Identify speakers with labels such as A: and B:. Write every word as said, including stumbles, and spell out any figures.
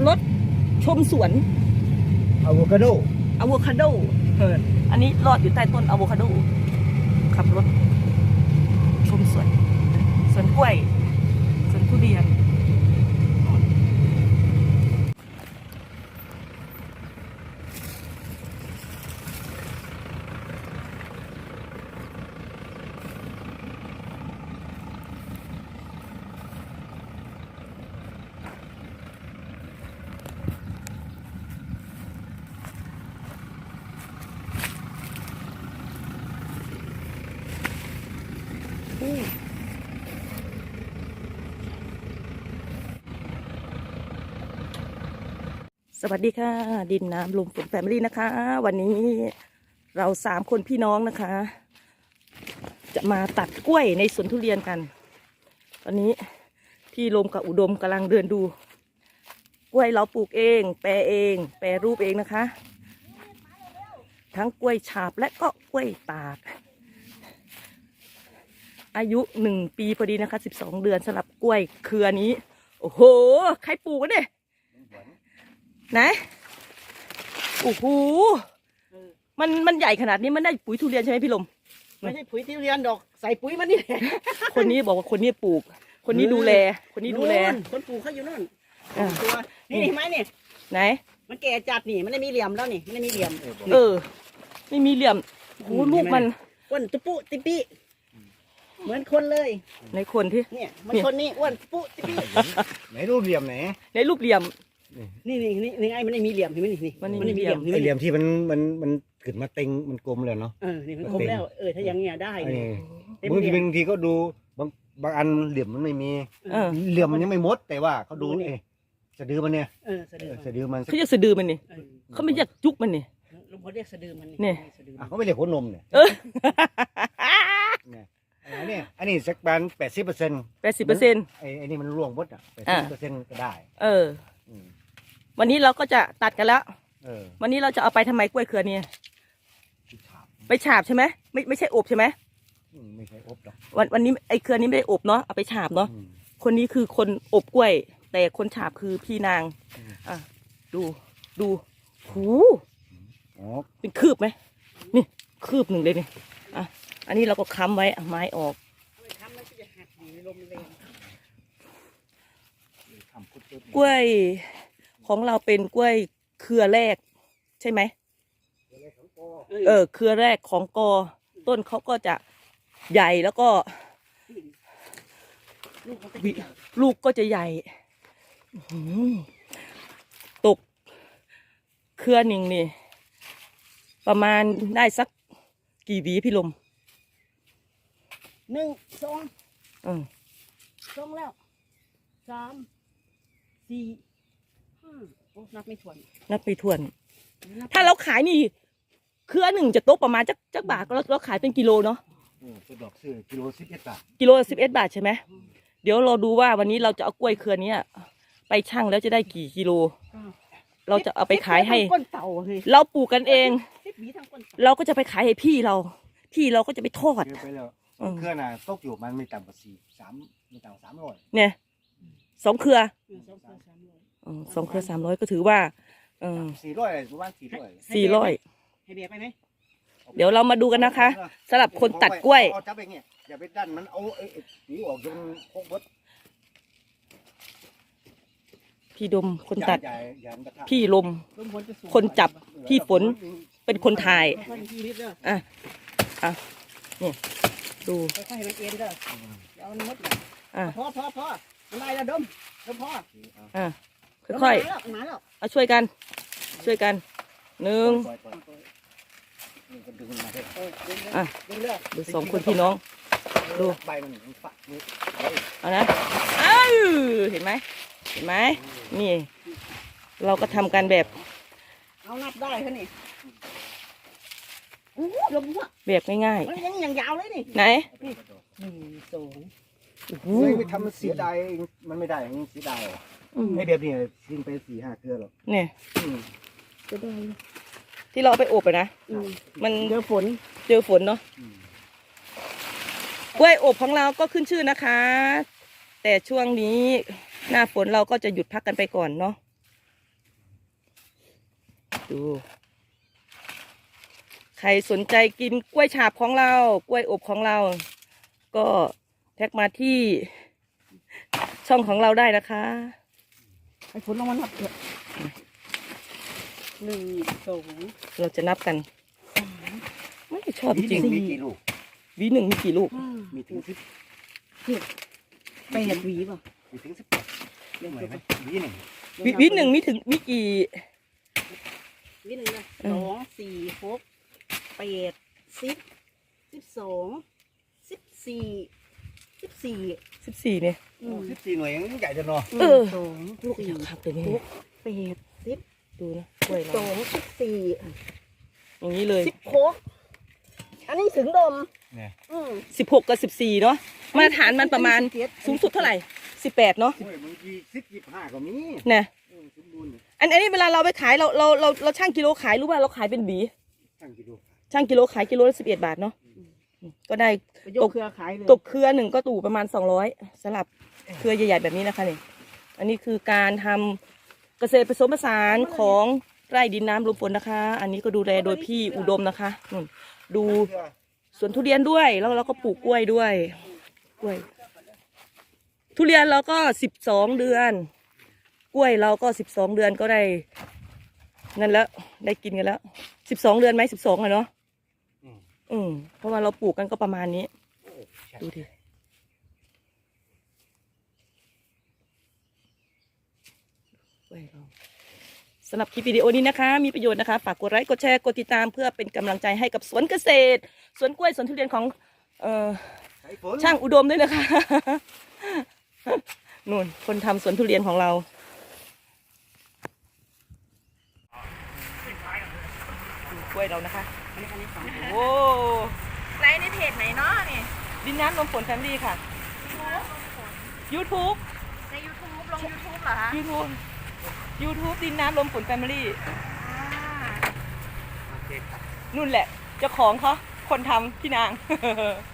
A: รถชมสวน
B: อะโวคาโด
A: อะโวคาโดเอออันนี้รอดอยู่ใต้ต้นอะโวคาโดขับรถชมสวนสวนกล้วยสวนทุเรียนสวัสดีค่ะดินน้ำลมฝนแฟมิลี่นะคะ วันนี้เราสามคนพี่น้องนะคะ จะมาตัดกล้วยในสวนทุเรียนกัน ตอนนี้พี่ลมกับอุดมกำลังเดินดูกล้วยเราปลูกเองแปรเองแปรรูปเองนะคะ ทั้งกล้วยฉาบและก็กล้วยตากอายุหนึ่งปีพอดีนะคะสิบสองเดือนสำหรับกล้วยเครือนี้โอ้โหใครปลูกกันเนี่ยไหนโอ้โหมันมันใหญ่ขนาดนี้มันได้ปุ๋ยทุเรียนใช่ไหมพี่ลม
C: ไม่ใช่ปุ๋ยทุเรียนดอกใส่ปุ๋ยมันนี่แหละ
A: คนนี้บอกว่าคนนี้ปลูกคนนี้ดูแลคนนี้ดูแล
C: คนปลูกเขาอยู่นั่นตัวนี่เห็นไหมนี่
A: ไหน
C: มันแก่จัดนี่มันไม่มีเหลี่ยมแล้วนี่ไม่มีเหลี่ยม
A: เออไม่มีเหลี่ยมโอ้โหลูกมัน
C: อ้วนตุปุติปิเหมือนคนเลย
A: ในคนที่
C: เนี่ยมันคนนี้อ้วนตุปุติปิ
B: ไหนรูปเหลี่ยมไหน
A: ในรูปเหลี่ยม
C: นี่นี่นี่นี่ไอ้มันไม่มีเหลี่ยมเห็นไหมนี่
A: มัน
C: ไม่มีเหลี่ยม
B: ไอเหลี่ยมที่มันมันมันขึ้นมาเต็งมันกลมเลยเนาะ
C: เออนี่มันกลมแล้วเออถ้าอย่างเงี้ยได้
B: บางทีบางทีก็ดูบางบางอันเหลี่ยมมันไม่มีเหลี่ยมมันยังไม่หมดแต่ว่าเขาดูเอสะดือมันเนี่ย
C: เออสะดือ
B: สะดือมัน
A: เขาเรียกสะดือมันนี่เขาไม่เรียกจุกมันนี่
C: ลุงพลเรียกสะดือมัน
A: นี่
B: เขาไม่เรียกหัวนมเนี่ย
A: เออ
B: เนี่ยอันนี้อันนี้สักประมาณแปดสิบเปอร์เซ็นต์
A: แปดสิบเปอร์เซ็นต์
B: ไอ้ไอ้นี่มันร่วงหมดอ่ะแปดสิบเปอร์เซ็นต์ก็ได้
A: เออวันนี้เราก็จะตัดกันแล้ว
B: เออ
A: วันนี้เราจะเอาไปทำไมกล้วยเครือเนี่ยไปฉาบใช่ไหมไม่ไม่ใช่อบใช่ไหม
B: ไม่ใช่อบหรอก
A: วันวันนี้ไอ้เครือนี้ไม่ได้อบเนาะเอาไปฉาบเนาะคนนี้คือคนอบกล้วยแต่คนฉาบคือพี่นางอ่ะดูดูหูเป็นคืบไหมนี่คืบหนึ่งเลยนี่อ่ะอันนี้เราก็ค้ำไว้ไม้ออกกล้วยของเราเป็นกล้วยเครือแรกใช่ไหมเออเครือแรกของกอต้นเขาก็จะใหญ่แล้วก็ลูกก็จะใหญ่ตกเครือหนึ่งนี่ประมาณได้สักกี่หวีพี่ลม
C: หนึ่งสอง
A: อืม
C: สองแล้วสามสี่ห้าโอ้นับไม่ถ้วน
A: นับไม่ถ้วนถ้าเราขายนี่เครือหนึ่งจะตกประมาณจักจักบาทเราเราขายเป็นกิโลเนาะ
B: เป็นดอกซื้อกิโลสิบเอ็ดบาท
A: กิโลสิบเอ็ดบาทใช่ไหมเดี๋ยวเราดูว่าวันนี้เราจะเอากล้วยเครือนี้ไปชั่งแล้วจะได้กี่กิโลเราจะเอาไปขายให้เราปลูกกันเองเราก็จะไปขายให้พี่เราพี่เราก็จะไปทอด
B: เครือน่ะตกอยู่มันไม่ต่ำกว่าสี่สามไม่ต่ำสามร้อย
A: เนี่ยสองเครือสองเครือสามร้อยก็ถือว่า
B: สี่ร้อยประมาณสี่ร้อย
A: สี่ร้อย
C: ให้เบียร์ไปไหม
A: เดี๋ยวเรามาดูกันนะคะสำหรับคนตัดกล้วย
B: เอาจับไปเงี้ยอย่าไปดันมันเอาไอ้ผีออกจนโคกบด
A: พี่ดมคนตัดพี่ลมคนจับพี่ฝนเป็นคนถ่ายอ่ะอ่ะนี่ดู
C: ค่อยๆให้มันเอ็นเด้อเอามันมดอ่ะพอพอพอมันได้แล้วดมดมพอ
A: อ่ะค่อยๆเอาช่วยกันช่วยกันหนึ่งอ่ะดูสองคนพี่น้องดูเอานะอ้าวเห็นไหมเห็นไหมนี่เราก็ทำกันแบบ
C: เอานับได้แค่นี้โอ้ลมว่ะ
A: แบบง่าย
C: ๆมันยังอย่างยาวเลยนี่
A: ไหน
C: หนึ่งสอง
B: โอ้ไม่ทำเสียดายมันไม่ได้เสียดายไอ้แบบนี้ทิ้งไปสี่ห้าเครือหรอก
A: เนี่ยจะได้ที่เราเอาไปอบไปนะมัน
C: เจอฝน
A: เจอฝนเนาะกล้วยอบของเราก็ขึ้นชื่อนะคะแต่ช่วงนี้หน้าฝนเราก็จะหยุดพักกันไปก่อนเนาะดูใครสนใจกินกล้วยฉาบของเรากล้วยอบของเรา ก็แท็กมาที่ช่องของเราได้นะคะ
C: ไอ้ผลลงมานับเถอะหนึ่งสอง
A: เราจะนับกัน
C: สาม
A: ไม่ชอบจริง
B: มีกี่ลูก
A: ๆวีหนึ่งมีกี่ลูก
C: ห้า
B: มีถึงสิบ
C: เจ็ดแปดหวีป่ะ
B: มีถึงสิบแปดเรื่องไหนไหมวีหนึ่ง
A: วีวีหนึ่งมีถึงมีกี่
C: หวีหนึ่งเลย
A: อืม
C: สองสี่หกแปดสิบสิบสองสิบสี่สิบสี่
A: สิบสี่เนี่ย
C: อืม
B: สิบสี่หน่วยยังใหญ่จังเนาะ
C: ห
A: เอ
C: นึ่
A: อ
C: งสอง
A: ลูก
C: สี่
A: อยากขับเลยนี่
C: หกแปดสิบ
A: ดูนะกล้วย
C: ส
A: เรา
C: องสิบสี่
A: อย่างนี้เลย
C: สิบหกอันนี้ถึงดม
B: เนี่ย
C: อืม
A: สิบหกกับสิบสี่เนาะมาตรฐานมันประมาณสูงสุดเท่าไหร่สิบแปดเนาะ
B: โอ้ยบางทีสิบยี่สิบห้าก็มี
A: นะ
B: เออสมบูรณ์เนี่ย
A: อันอันนี้เวลาเราไปขายเราเราเราเราช่างกิโลขายรู้ป่ะเราขายเป็นหวี
B: ตั้งกิโล
A: ช่างกิโลขายกิโลละสิบเอ็ดบาทเนาะก็ได้
C: ไปยกเครือขายเลย
A: ตกเครือหนึ่งก็ตู่ประมาณสองร้อยสลับเครือใหญ่ๆแบบนี้นะคะนี่อันนี้คือการทำเกษตรผสมผสานของไร่ดินน้ำลมฝนนะคะ อันนี้ก็ดูแลโดยพี่อุดมนะคะนู่นดูสวนทุเรียนด้วยแล้วเราก็ปลูกกล้วยด้วยกล้วย ทุเรียนเราก็สิบสองเดือน กล้วยเราก็สิบสองเดือนก็ได้นั่นแล้วได้กินกันแล้วสิบสองเดือนไหมสิบสองอะเนาะ
B: อืม
A: อืมเพราะว่าเราปลูกกันก็ประมาณนี้
B: โอ้ใช่
A: ดูดิกล้วยเราสำหรับคลิปวิดีโอนี้นะคะ มีประโยชน์นะคะฝากกดไลค์กดแชร์กดติดตามเพื่อเป็นกำลังใจให้กับสวนเกษตรสวนกล้วยสวนทุเรียนของเอ่อ
B: ใช้ฝน
A: ช่างอุดมด้วยนะคะ นู่นคนทำสวนทุเรียนของเราดูกล้วยเรานะคะ
C: อันนี้อันนี้สอง
A: โอ้
D: ไลฟ์ในเพจไหนเนาะนี่
A: ดินน้ำลมฝนแฟมลี่ค่ะ YouTube
D: ใน YouTube ลง YouTube เหรอคะ
A: YouTube YouTube ดินน้ำลมฝนแฟมิลี่
D: อ่า
B: โอเคครับ
A: นู่นแหละเจ้าของเขาคนทำพี่นาง